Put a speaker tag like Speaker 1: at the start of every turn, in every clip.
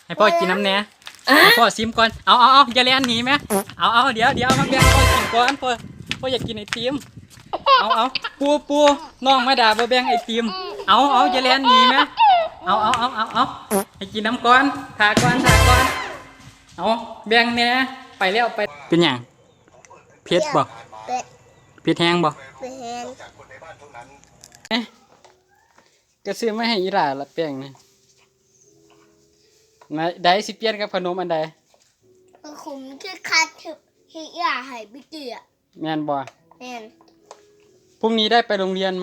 Speaker 1: ให้พ่อกินน้ำแหน่ให้พ่อซิมก่อนเอาอย่าเล่นหนีไหมเอาเดี๋ยวมาแบ่งพ่อกินก่อนพ่ออยากกินไอติมเอาปูน้องมาด่าบ่แบ่งไอติมเอาอย่าเล่นหนีไหมเอาให้กินน้ำก่อนถาก่อนเอาแบ่งแหน่ไปแล้วไปเป็นอย่างเผ็ดบ่เผ็ดแห้งบ่ก็ซื้อมาให้อีหล่าละแป้งนี่มาได้สิเปลี่ยนกับขนมอันใด
Speaker 2: ผมคือคัดที่อยากให้พี่เกีย
Speaker 1: แม่นบ่
Speaker 2: แม่น
Speaker 1: พรุ่งนี้ได้ไปโรงเรียนไหม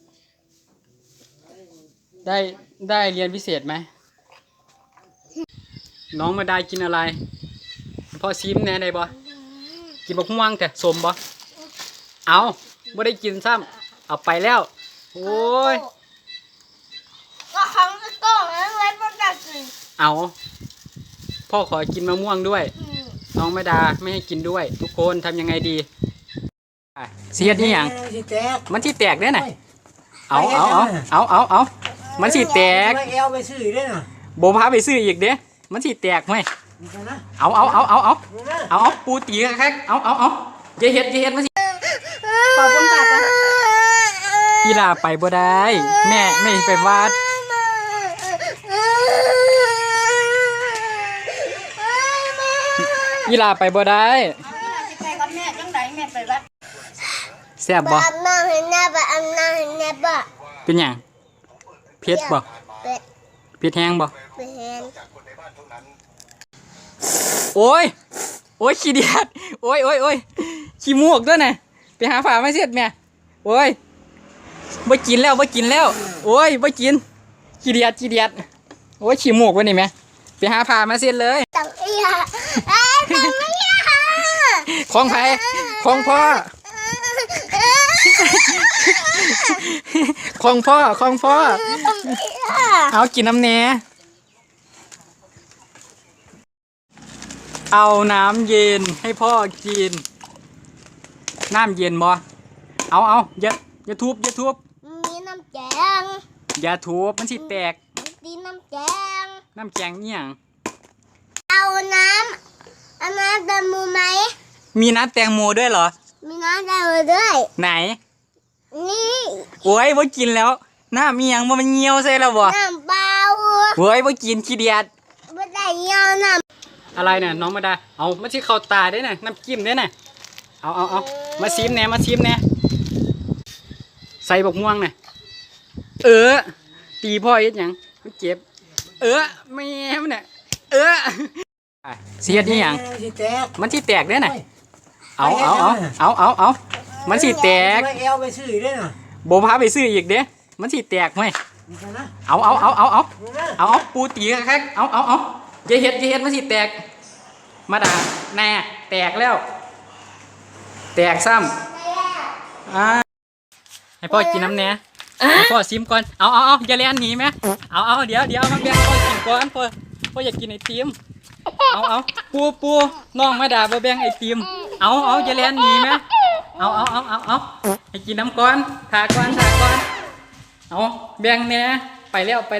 Speaker 1: ได้เรียนพิเศษไหมน้องมาได้กินอะไรพ่อซิมแน่ได้บ่กินบักม่วงแต่สมบ่เอาบ่ได้กินซ้ำเอาไปแล้วโอ้ย
Speaker 2: ก็ครั้งก็ต้องแล้วไว้ประกาศกิน
Speaker 1: เอาพ่อขอกินมะม่วงด้วยน้องไม่ดาไม่ให้กินด้วยทุกคนทำยังไงดีเสียดนี่ยังมันที่แตกเนี่ยน่ะเอามันที่แตกโบพาไปซื้ออีกเด้มันที่แตกไหมเอาปูตีแค่เอาอย่าเห็ดมันสิ
Speaker 2: ขอบคุณค่ะ
Speaker 1: กีฬาไปบ่ได้แม่ไม่ไปวัดกีฬาไปบ่ได้
Speaker 2: ไปกับแม่จังไดแม่ไปวัด
Speaker 1: แซ่บบ่
Speaker 2: บ่
Speaker 1: เป็นหยังเผ็ดบ่เผ็ดแห้งบ่โอ้ยขี้เดียดโอ้ยขี้มูกด้วยนะไปหาฝาไม่เสร็จแม่โอ้ยบ่กินแล้วโอ้ยบ่กินขี้เดียดโอ้ยขี้มูกวะนี่แม่ไปหาฝามาเสร็จเลยของไผของพ่อของพ่อเอากินน้ำแหน่เอาน้ำเย็นให้พ่อกินน้ำเย็นบ่เอาอย่าทุบ
Speaker 2: มีน้ำแกง
Speaker 1: อย่าทุบมันสิแตก
Speaker 2: มีน้ำแกง
Speaker 1: เนี่ย
Speaker 2: เอาน้ำแตงโมไหม
Speaker 1: มีน้ำแตงโมด้วยเหรอ
Speaker 2: มีน้ำแตงโมด้วย
Speaker 1: ไหน
Speaker 2: นี่
Speaker 1: โอ้ยบ่กินแล้วน้ำมีหยังบ่มันเหี่ยวใส่แล้วบ่
Speaker 2: น้ำเปล่า
Speaker 1: โอ้ยบ่กินขี้เดียด
Speaker 2: บ่ได้เหี่ยวน้ำ
Speaker 1: อะไรเนี่ยน้องมาดาเอามาที่เข้าตาได้น่ะน้ำจิ้มได้น่ะเอามาซิมแหน่ใส่บักม่วงน่ะตีพ่อเฮ็ดหยังมันเจ็บแม่มันน่ะเสียดนี่หยังมันที่แตกได้น่ะเอามันที่แตกโบพาไปซื้ออีกเด้มันที่แตกไหมเอาปูตีแค่เอาอย่าเห็ดมันที่แตกมาด่าแน่แตกแล้วแตกซ้ำให้พ่อกินน้ำแหน่ให้พ่อซิมก่อนเอาอย่าเล่นหนีไหมเอาเดี๋ยวมาแบ่งพ่อกินก่อนพ่ออยากกินไอติมเอาปูน้องมาด่าบ่แบ่งไอติมเอาอย่าเล่นหนีไหมเอาให้กินน้ำก่อนถาก่อนเอาแบ่งแหน่ไปแล้ว